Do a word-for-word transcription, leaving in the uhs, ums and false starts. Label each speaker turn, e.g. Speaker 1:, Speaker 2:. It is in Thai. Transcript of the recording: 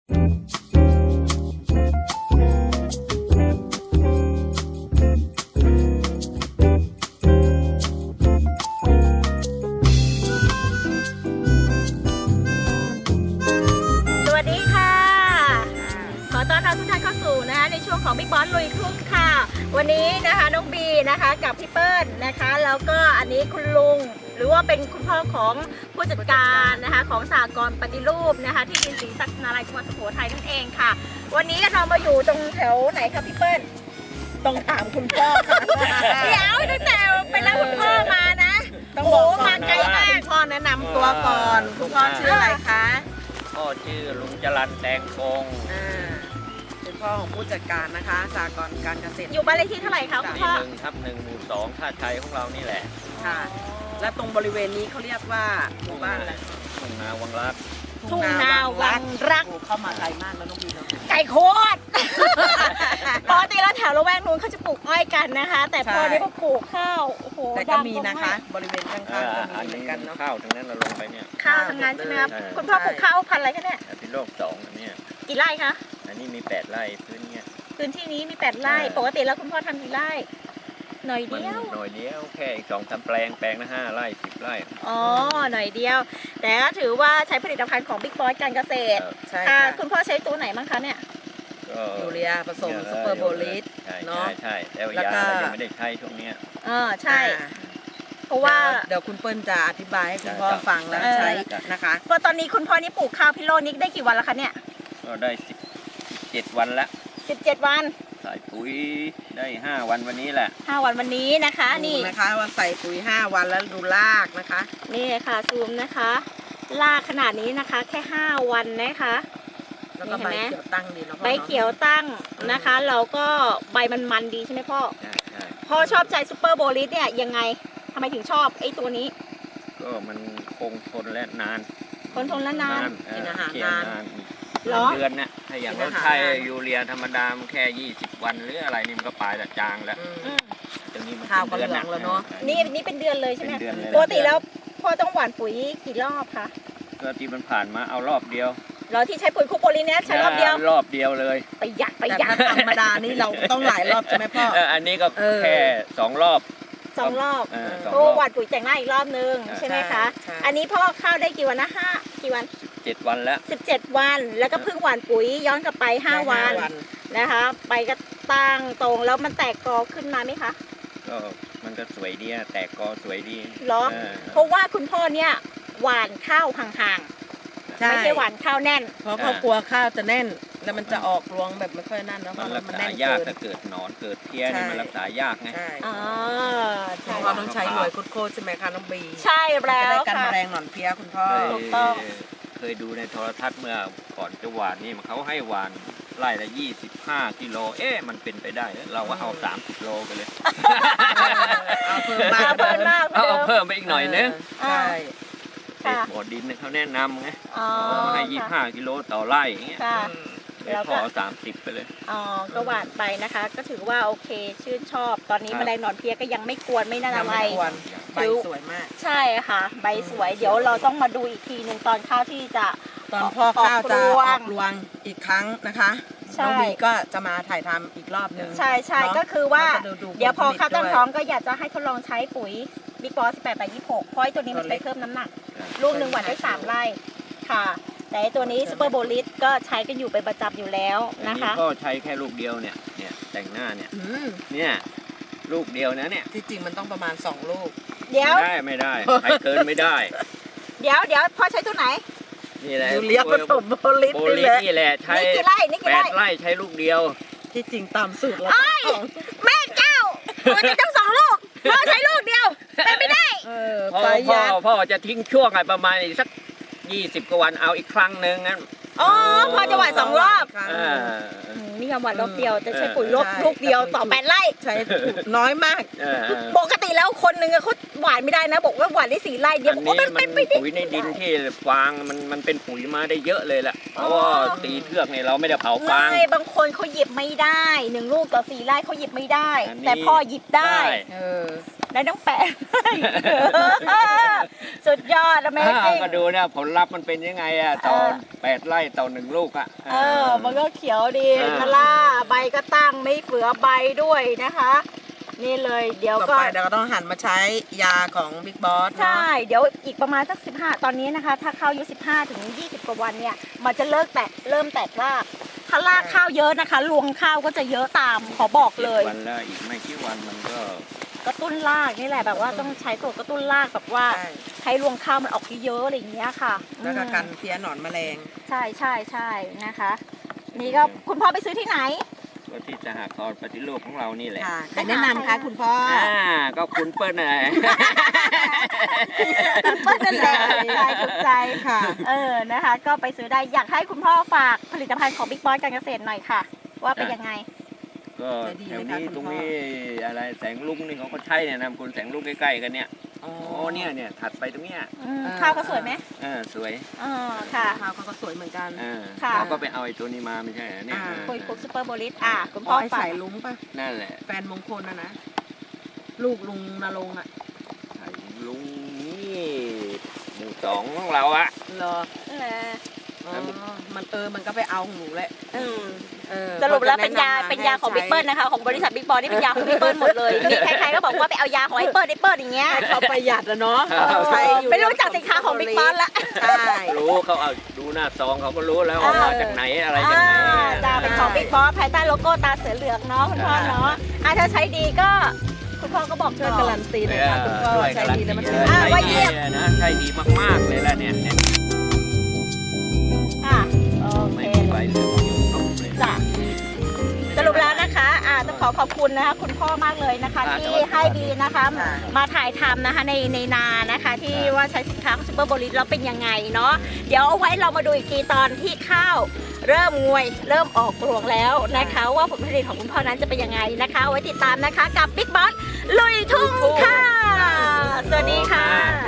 Speaker 1: ของบิ๊กบอสลุยทุ่งค่ะวันนี้นะคะน้องบีนะคะกับพี่เปิ้ลนะคะแล้วก็อันนี้คุณลุงหรือว่าเป็นคุณพ่อของผู้จัดการนะคะของสหกรณ์ปฏิรูปนะคะที่ดินศรีศักดิ์นาลัยจังหวัดสุโขทัยนั่นเองค่ะวันนี้เรามาอยู่ตรงแถวไหนครับพี่เปิ้ลตรงถามคุณพ่อค่ะเดี๋ยวตั้งแต่ไปรับคุณพ่อมานะต้องบอกมาไกลมาก
Speaker 2: พ่อแนะนำตัวก่อนคุณพ่อชื่ออะไรคะ
Speaker 3: พ่อชื่อลุงจรัญแตงกง
Speaker 2: เป็นพ่อของผู้จัดการนะคะสหกรณ์การเกษตร
Speaker 1: อยู่บ้านเลขที่เท่าไหร่คะคุณพ่อ
Speaker 3: หนึ่งทับหนึ่งหมู่สองท่าชัยของเรานี่แหละ
Speaker 2: ค่ะและตรงบริเวณนี้เขาเรียกว่าหมู่บ้านอะไร
Speaker 3: ทุ่งนาวังรัก
Speaker 1: ทุ่งนาวังรัก
Speaker 2: เข้ามาไกลมากแล้วน้องบีเนาะ
Speaker 1: ไก่โคตรปกติแล้วแถวละแวกนู้นเขาจะปลูกอ้อยกันนะคะแต่พอนี้เขาปลูกข้าวโอ้โห
Speaker 2: แต่ก็มีนะคะบริเวณข้างๆก็มีเหมือนกันเนาะ
Speaker 3: ข้าวทั้งนั้นเราลงไปเนี่ย
Speaker 1: ข้าวทั้งนั้นใช่ไหมครับคุณพ่อปลูกข้าวพันธุ์อะไรคะเนี่ย
Speaker 3: เป็นโลกสองอันนี้
Speaker 1: กี่ไร่คะ
Speaker 3: อันนี้มีแปดไร่พื้นเนี่ย
Speaker 1: พื้นที่นี้มีแปดไร่ปกติแล้วคุณพ่อทำกี่ไร่หน่อยเดียว
Speaker 3: หน่อยเดียวแค่อีกสองสามแปลงแปลงละห้าไร่สิบไร่
Speaker 1: อ๋อหน่อยเดียวแต่ก็ถือว่าใช้ผลิตภัณฑ์ของบิ๊กบอสการเกษตร
Speaker 2: ใช่ค่ะ
Speaker 1: คุณพ่อใช้ตัวไหนบ้างคะเนี่ย
Speaker 2: ยูเรียผสมซูเปอร์โบลิส
Speaker 3: เนาะใช่แล้วยาเรายังไม่ได้ใช้ช่วงนี้
Speaker 1: อ๋อใช่เพราะว่า
Speaker 2: เดี๋ยวคุณเปิ้ลจะอธิบายให้คุณพ่อฟังแล้วใช้นะคะ
Speaker 1: เพราะตอนนี้คุณพ่อนี่ปลูกข้าวพิโรจน์นี่ได้กี่วันแล้วคะเนี่ย
Speaker 3: ก็ได้สิบเจ็ดวันละ
Speaker 1: สิบเจ็ดวัน
Speaker 3: ใส่ปุ๋ยได้ห้าวันวันนี้แหละ
Speaker 1: ห้าวันวันนี้นะคะนี่
Speaker 2: นะคะว่าใส่ปุ๋ยห้าวันแล้วดูรากนะคะ
Speaker 1: นี่ค่ะซูมนะคะรากขนาดนี้นะคะแค่ห้าวันนะคะ
Speaker 2: แล้วก็ใบเขียวตั้งดีเนาะ
Speaker 1: ใบเขียวตั้งนะคะเราก็ใบมันมันดีใช่ไหมพ่อพ่อชอบใจซูเปอร์โบลิสเนี่ยยังไงทำไมถึงชอบไอ้ตัวนี้
Speaker 3: ก็มันคงทนและนาน
Speaker 1: คงทนและนาน
Speaker 2: กินอาหารนาน
Speaker 3: เดือนนะถ้าอย่างเราใช้ยูเรียธรรมดาแค่ยี่สิบวันหรืออะไรนี่มันก็ปลายแต่จางแล้วตรงนี้มันเป็นเดือน
Speaker 2: แล้วเนาะ
Speaker 1: นี่นี่เป็นเดือนเลยใช่ไหมปกติแล้วพ่อต้องหว่านปุ๋ยกี่รอบคะ
Speaker 3: ก็ที่มันผ่านมาเอารอบเดียว
Speaker 1: เราที่ใช้ปุ๋ยคูโปลินเนี่ยใช้รอบเดียว
Speaker 3: รอบเดียวเลย
Speaker 1: ประหยัดประหยัด
Speaker 2: ธรรมดานี่เราต้องหลายรอบใช่ไหมพ่อ
Speaker 3: อันนี้ก็แค่สองรอบ
Speaker 1: สองรอบโอ้หว่านปุ๋ยแต่งหน้าอีกรอบนึงใช่ไหมคะอันนี้พ่อข้าวได้กี่วันนะห้ากี่วัน
Speaker 3: เจ็ดวันแล้ว
Speaker 1: สิบเจ็ดวันแล้วก็เพิ่งหว่านปุ๋ยย้อนกลับไปห้าวันนะคะไปก็ตั้งตรงแล้วมันแตกกอขึ้นมาไหมคะ
Speaker 3: ก็มันก็สวยดีแตกกอสวยดี
Speaker 1: เหรอเพราะว่าคุณพ่อเนี่ยหว่านข้าวห่างๆไม่ใช่หว่านข้าวแน่น
Speaker 2: เพราะเขากลัวข้าวจะแน่นแล้วมันจะออกรวงแบบไม่ค่อยนั่นแล้ว
Speaker 3: มันรักษายากถ้าเกิดหนอนเกิดเพี้ยนี่มันรักษายากไง
Speaker 1: อ๋อ
Speaker 2: ใช่เราต้องใช้หน่วยคุดโคใช่ไหมคะน้องบี
Speaker 1: ใช่แล้ว
Speaker 2: ค่ะกันแมลงหนอนเพี้ยคุณพ่อ
Speaker 1: ถูกต้อง
Speaker 3: เคยดูในโทรทัศน์เมื่อก่อนจะหวานนี่เขาให้หวานไร่ละยี่สิบห้ากิโลเอ๊ะมันเป็นไปได้เราก็เอาสามสิบโลไปเลย
Speaker 2: เอาเพิ่มมาก
Speaker 3: เอาเพิ่มไปอีกหน่อยนึง
Speaker 2: ใช่
Speaker 3: บ่อดินเขาแนะนำไงให้ยี่สิบห้ากิโลต่อไร่อย่างเงี้ยแล้วก็สามสิบไปเลย
Speaker 1: อ๋อก็หวานไปนะคะก็ถือว่าโอเคชื่นชอบตอนนี้แมลงหนอนเพี้ยก็ยังไม่กวนไม่น่าอะไร
Speaker 2: ใบสวยมาก
Speaker 1: ใช่ค่ะใบสวยเดี๋ยวเราต้องมาดูอีกทีหนึ่งตอนข้าวที่จะ
Speaker 2: ตอนพ่อข้าวจะออกรวงอีกครั้งนะคะน้องบีก็จะมาถ่ายทำอีกรอบนึง
Speaker 1: ใช่ใช่ก็คือว่าเดี๋ยวพอข้าวตั้งท้องก็อยากจะให้ทดลองใช้ปุ๋ยบิ๊กบอสสิบแปดไปยี่สิบหกเพราะตัวนี้มันไปเพิ่มน้ำหนักลูกหนึ่งหว่านได้สามไร่ค่ะแต่ตัวนี้ซูเปอร์โบลิสก็ใช้กันอยู่เป็นประจำอยู่แล้วนะคะ
Speaker 3: ก็ใช้แค่ลูกเดียวเนี่ยเนี่ยแต่งหน้าเนี่ยเนี่ยลูกเดียวนะเนี่ย
Speaker 2: ที่จริงมันต้องประมาณสองลูก
Speaker 1: เดี๋ยว
Speaker 3: ไม่ได้ไม่ได้ใช้เกินไม่ได้
Speaker 1: เดี๋ยวเดี๋ยวพ่อใช้ตัวไหน
Speaker 3: นี่แหละ
Speaker 2: ยูเรียผสมโบลิส
Speaker 3: นี่แหละใช้แปดไร่ใช้ลูกเดียว
Speaker 2: ที่จริงตามสูตรแล้ว
Speaker 1: แม่เจ้าตัวจะต้องสองลูกพ่อใช้ลูกเดียวเป็นไม่ได้
Speaker 3: พ่อพ่อพ่อจะทิ้งช่วงอะไรประมาณสักยี่สิบกว่าวันเอาอีกครั้งหนึ่งงั้น
Speaker 1: อ๋อพอจะหว่านสองรอบนี่ค่ะหว่านรอบเดียวจะใช้ปุ๋ยลูกลูกเดียวต่อแปดไร่
Speaker 2: ใช้น้อยมาก
Speaker 1: ปกติแล้วคนหนึ่งเขาหว่านไม่ได้นะบอกว่าหว่านได้สี่ไร่เดียว
Speaker 3: บอกว่ามันเป็นปุ๋ยในดินที่ฟางมันมันเป็นปุ๋ยมาได้เยอะเลยแหละเพราะว่าตีเทือกเนี่ยเราไม่ได้เผาฟาง
Speaker 1: บางคนเขาหยิบไม่ได้หนึ่งลูกต่อสี่ไร่เขาหยิบไม่ได้แต่พ่อหยิบได้ได้ต้องแปะสสุดยอด Amazing
Speaker 3: ก็ดูนะผลลัพธ์มันเป็นยังไงอะต่อ
Speaker 1: เออ
Speaker 3: แปดไร่ต่อหนึ่งลูกอะ
Speaker 1: เออ มันก็เขียวดี
Speaker 3: เออ
Speaker 1: นะล่ะใบก็ตั้งไม่เฟือใบด้วยนะคะ นี่เลยเดี๋ยว
Speaker 2: ต่อ
Speaker 1: ก็
Speaker 2: ไปเราก็ต้องหันมาใช้ยาของบิ๊กบอส
Speaker 1: ใช่ เดี๋ยวอีกประมาณสักสิบห้าตอนนี้นะคะ ถ้าข้าวอายุสิบห้าถึงยี่สิบกว่าวันเนี่ย มันจะเลิกแตกเริ่มแตกราก ถ้ารากข้าวเยอะนะคะ รวงข้าวก็จะเยอะตาม ขอบอกเลย
Speaker 3: วันแล้วอีกไม่กี่วันมันก็
Speaker 1: กระตุ้นรากนี่แหละแบบว่าต้องใช้ตัวกระตุ้นรากแบบว่า
Speaker 2: ใช่
Speaker 1: ให้รวงข้าวมันออกเยอะๆอะไรอย่างเงี้ยค่ะ
Speaker 2: แล้วก็
Speaker 1: อืม
Speaker 2: กันเพี้ยหนอนแมลง
Speaker 1: ใช่ใช่ใช่นะคะ นี่ก็คุณพ่อไปซื้อที่ไหน
Speaker 3: ก็ที่สหกรณ์ปฏิรูปของเรานี่แหละ
Speaker 2: ค่ะใครแนะนำคะคุณพ่อ
Speaker 3: อ่าก็คุณเปิ้ลอะไร
Speaker 1: เปิ้ลนั่นแหละใจถูกใจ
Speaker 2: ค่ะ
Speaker 1: เออนะคะ ก็ไปซื้อได้อยากให้คุณพ่อฝากผลิตภัณฑ์ของบิ๊กบอสการเกษตรหน่อยค่ะ ว่าเป็นยังไง
Speaker 3: ก็
Speaker 2: ใจดี
Speaker 3: แถว
Speaker 2: เลยค่ะ
Speaker 3: นี้
Speaker 2: คุณ
Speaker 3: ตรง
Speaker 2: พ่อ
Speaker 3: นี้อะไรแสงลุงนี่เขาก็ใช่เนี่ยนำคุณแสงลุงใกล้ๆกันเนี่ย
Speaker 2: อ๋อ
Speaker 3: โอ้เนี่ยเนี่ยถัดไปตรงเนี้ย
Speaker 1: อืม
Speaker 2: เออ
Speaker 1: ข้าวเขาสวยไหม
Speaker 3: เออสวย
Speaker 1: อ๋อค่ะ
Speaker 2: ข้าวเขาก็สวยเหมือนกัน
Speaker 3: เออ
Speaker 1: ค่ะ
Speaker 3: เราก็ไปเอาไอ้ตัวนี้มาไม่ใช่เหรอเนี่ย
Speaker 2: อ่า
Speaker 1: คุยคุกซูเปอร์โบลิสอ่ะคุณ
Speaker 2: พ่
Speaker 1: พ่
Speaker 2: อ
Speaker 1: อ
Speaker 2: ไอ้
Speaker 1: ฝาก
Speaker 2: สายลุงป่ะ
Speaker 3: นั่นแหละ
Speaker 2: แฟนมงคลนะนะ ลูกลุงนรงค์อ่ะ
Speaker 3: ไอ้ลุงนี่หมู่สองของเราอะ
Speaker 2: เหรอ
Speaker 1: เออ
Speaker 2: อ๋อมันเออมันก็ไปเอาของหนูแหละ
Speaker 1: อืม
Speaker 2: เออ
Speaker 1: สรุปแล้วเป็นยา
Speaker 2: ก็จะแะำม
Speaker 1: เป็นยาของ
Speaker 2: ให้
Speaker 1: บิ๊กเบิ้ลนะคะ ของบริษัทบิ๊กบอสนี่เป็นยาของบิ๊กเบิ้ลหมดเลยมีใครๆก็บอกว่าไปเอายาของไอ้เปิ้ลไอ้เปิ้ลอย่างเงี้ย
Speaker 2: ให้เขาประหยัดอะเนาะ
Speaker 3: เออ
Speaker 2: ใช้อยู่
Speaker 1: ไม่รู้จักสินค้าของบิ๊กบอสละ
Speaker 2: ใช่
Speaker 3: รู้เขาเอาดูหน้าซองเขาก็รู้แล้วว่ามาจากไหนอะไรจาก
Speaker 1: อ่า
Speaker 3: ไหน
Speaker 1: จะเป็นของบิ๊กบอสภายใต้โลโก้ตาเสือเหลืองเนาะคุณพ่อเนาะอ่ะถ้าใช้ดีก็คุณพ่อก็บอก
Speaker 2: ช่วย
Speaker 1: ต่อ
Speaker 2: การันตีหน่อยค่ะคุณพ่อ
Speaker 3: ด้วย
Speaker 2: ใช้
Speaker 3: การัน
Speaker 2: ดี
Speaker 3: ตี
Speaker 2: แล้วมัน
Speaker 3: เล
Speaker 2: ถึง
Speaker 3: ย
Speaker 1: อ่า
Speaker 3: ใช่
Speaker 1: ไว้
Speaker 3: ดี
Speaker 1: เยี่ยม
Speaker 3: นะใช่ดีมากๆเลยล่ะเนี่ยเนี่ย
Speaker 1: อ่ะโอเค
Speaker 3: ไม่มีใบเหลืองอยู่ครบเลย
Speaker 1: จ้ะสรุปแล้วนะคะอ่าต้องขอขอบคุณนะคะคุณพ่อมากเลยนะคะ
Speaker 3: อ่า
Speaker 1: ที่
Speaker 3: สวัสดี
Speaker 1: ให้ดีนะคะ
Speaker 2: ค่ะ
Speaker 1: มาถ่ายทำนะคะในในนานะคะ ที่
Speaker 3: ครับ
Speaker 1: ว่าใช้สินค้าของซูเปอร์โบลิสแล้วเป็นยังไงเนาะเดี๋ยวเอาไว้เรามาดูอีกทีตอนที่ข้าวเริ่มงวยเริ่มออกรวงแล้วนะคะ ว่าผลผลิตของคุณพ่อนั้นจะเป็นยังไงนะคะเอาไว้ติดตามนะคะกับบิ๊กบอสลุยทุ่งค่ะ สวัสดีค่ะ